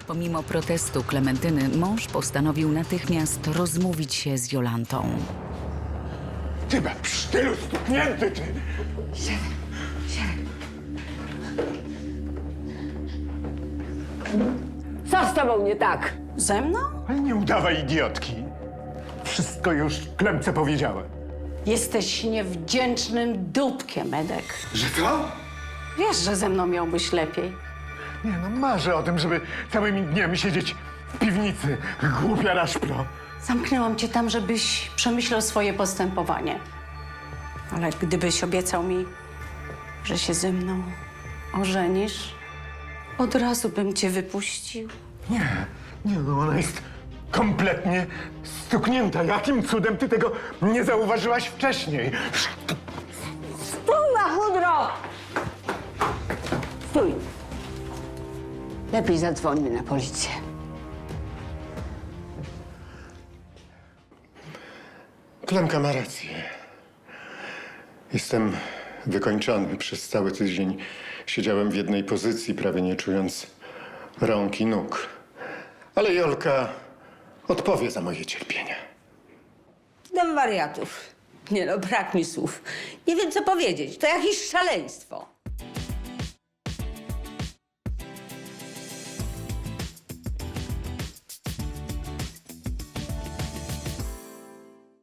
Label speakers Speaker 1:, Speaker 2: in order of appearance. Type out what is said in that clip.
Speaker 1: Pomimo protestu Klementyny, mąż postanowił natychmiast rozmówić się z Jolantą.
Speaker 2: Ty psztylu stuknięty, ty!
Speaker 3: Co z tobą nie tak?
Speaker 4: Ze mną?
Speaker 2: Ale nie udawaj idiotki. Wszystko już Klemce powiedziałem.
Speaker 4: Jesteś niewdzięcznym dupkiem, Edek.
Speaker 2: Że co?
Speaker 4: Wiesz, że ze mną miałbyś lepiej.
Speaker 2: Nie no, marzę o tym, żeby całymi dniami siedzieć w piwnicy. Głupia raszpro.
Speaker 4: Zamknęłam cię tam, żebyś przemyślał swoje postępowanie. Ale gdybyś obiecał mi, że się ze mną ożenisz, od razu bym cię wypuścił.
Speaker 2: Nie no, ona jest kompletnie stuknięta. Jakim cudem ty tego nie zauważyłaś wcześniej?
Speaker 3: Stój, Machudro! Stój. Lepiej zadzwońmy na policję.
Speaker 2: Klemka ma rację. Jestem wykończony. Przez cały tydzień siedziałem w jednej pozycji, prawie nie czując rąk i nóg. Ale Jolka odpowie za moje cierpienia.
Speaker 3: Dom wariatów. Nie no, brak mi słów. Nie wiem, co powiedzieć. To jakieś szaleństwo.